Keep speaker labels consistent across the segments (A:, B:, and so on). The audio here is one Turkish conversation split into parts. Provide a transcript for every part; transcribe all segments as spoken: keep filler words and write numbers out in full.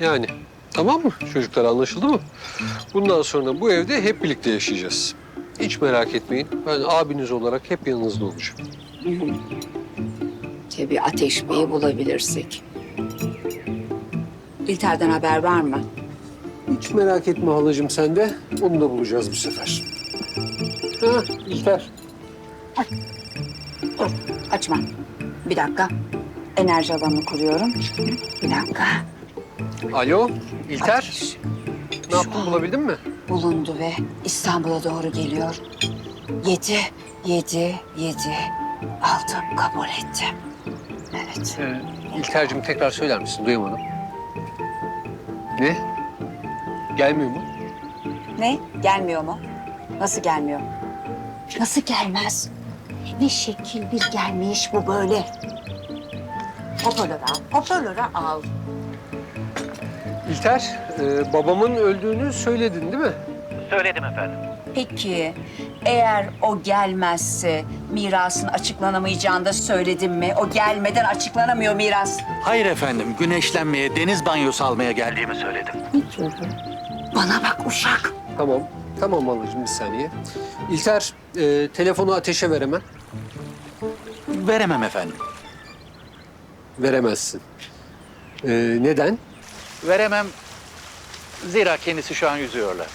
A: Yani tamam mı çocuklar, anlaşıldı mı? Bundan sonra bu evde hep birlikte yaşayacağız. Hiç merak etmeyin. Ben abiniz olarak hep yanınızda olacağım.
B: Tabii Ateş Bey'i bulabilirsek. İlter'den haber var mı?
A: Hiç merak etme halacığım sen de. Onu da bulacağız bu sefer. Ha İlter.
B: Dur, açma. Bir dakika. Enerji alanını kuruyorum. Bir dakika.
A: Alo İlter.
B: Ateş
A: Ne yaptın, bulabildin mi?
B: bulundu ve İstanbul'a doğru geliyor. Yedi, yedi, yedi. Aldım, kabul ettim. Evet.
A: Ee, İlter'cim tekrar söyler misin? Duyamadım. Ne? Gelmiyor mu?
B: Ne? Gelmiyor mu? Nasıl gelmiyor? Nasıl gelmez? Ne şekil bir gelmiş bu böyle. Hoparlörü al, hoparlörü al.
A: İlter, e, babamın öldüğünü söyledin değil mi?
C: Söyledim efendim.
B: Peki, eğer o gelmezse mirasın açıklanamayacağını da söyledim mi? O gelmeden açıklanamıyor miras.
C: Hayır efendim, güneşlenmeye, deniz banyosu almaya geldiğimi söyledim.
B: Bana bak uşak.
A: Tamam. Tamam halacığım, bir saniye. İlter, e, telefonu Ateş'e ver hemen.
C: Veremem efendim.
A: Veremezsin. E, neden?
C: Veremem. Zira kendisi şu an yüzüyorlar.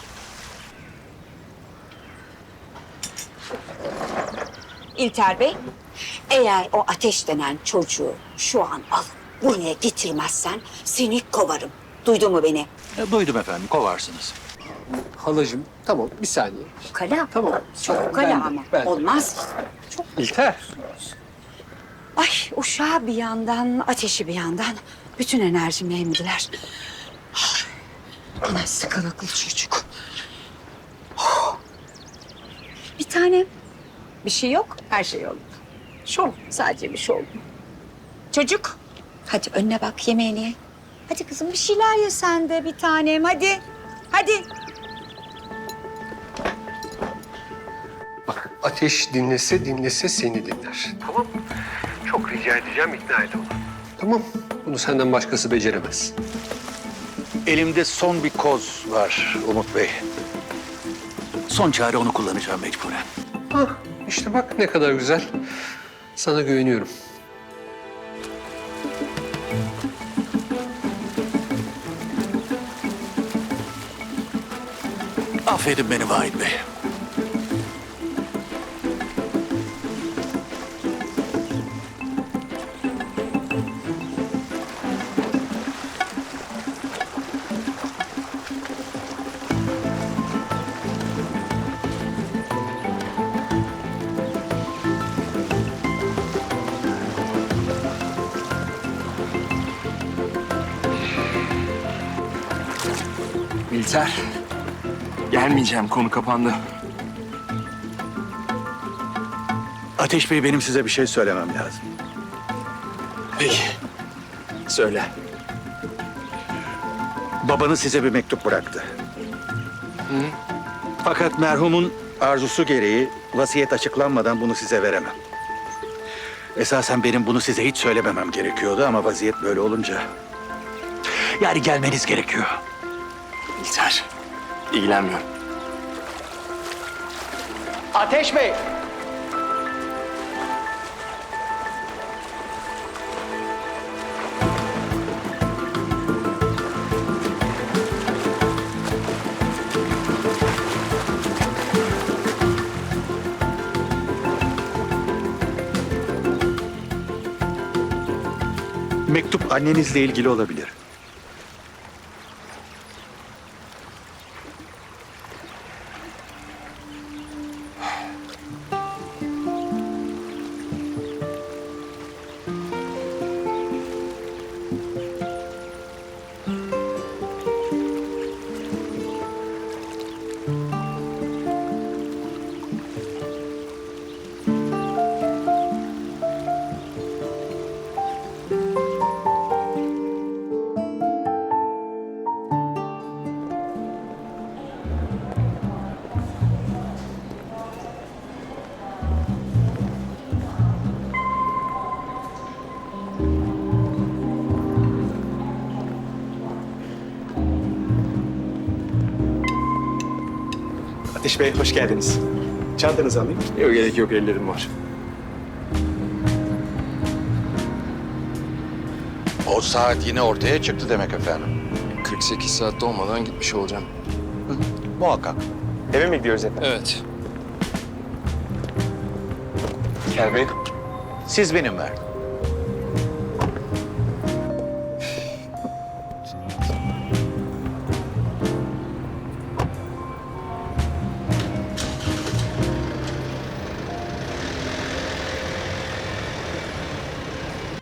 B: İlter Bey, eğer o Ateş denen çocuğu şu an alıp buraya getirmezsen seni kovarım. Duydun mu beni?
C: E, duydum efendim, kovarsınız.
A: Halacığım, tamam bir saniye.
B: Kala.
A: Tamam.
B: Çok
A: Ben de,
B: kala ama.
A: ben de.
B: Olmaz.
A: İlter.
B: Ay uşağı bir yandan, ateşi bir yandan. Bütün enerjimi emdiler. Ay, yine sıkılıklı çocuk. Oh. Bir tane. Bir şey yok, her şey yolunda. Şov, sadece bir şov. Çocuk, hadi önüne bak, yemeğini ye. Hadi kızım bir şeyler ye sen de bir tanem, hadi. Hadi.
A: Bak, Ateş dinlese dinlese seni dinler. Tamam. Çok rica edeceğim, ikna et onu. Tamam. Bunu senden başkası beceremez.
C: Elimde son bir koz var Umut Bey. Son çare onu kullanacağım mecburen.
A: Hah, işte bak ne kadar güzel. Sana güveniyorum.
C: Affedin beni Vahit Bey.
D: İlter, gelmeyeceğim. Konu kapandı.
C: Ateş Bey, benim size bir şey söylemem lazım.
D: Peki, söyle.
C: Babanız size bir mektup bıraktı. Fakat merhumun arzusu gereği vasiyet açıklanmadan bunu size veremem. Esasen benim bunu size hiç söylememem gerekiyordu ama vaziyet böyle olunca... Yani gelmeniz gerekiyor.
D: İlter, ilgilenmiyorum.
C: Ateş Bey! Mektup annenizle ilgili olabilir.
E: Ateş Bey hoş geldiniz. Çantanızı alayım.
D: Yok gerek yok, ellerim var.
C: O saat yine ortaya çıktı demek efendim.
D: kırk sekiz saatte olmadan gitmiş olacağım.
C: Muhakkak.
E: Eve mi gidiyoruz efendim?
D: Evet.
E: Gel Bey.
C: Siz benim verdim.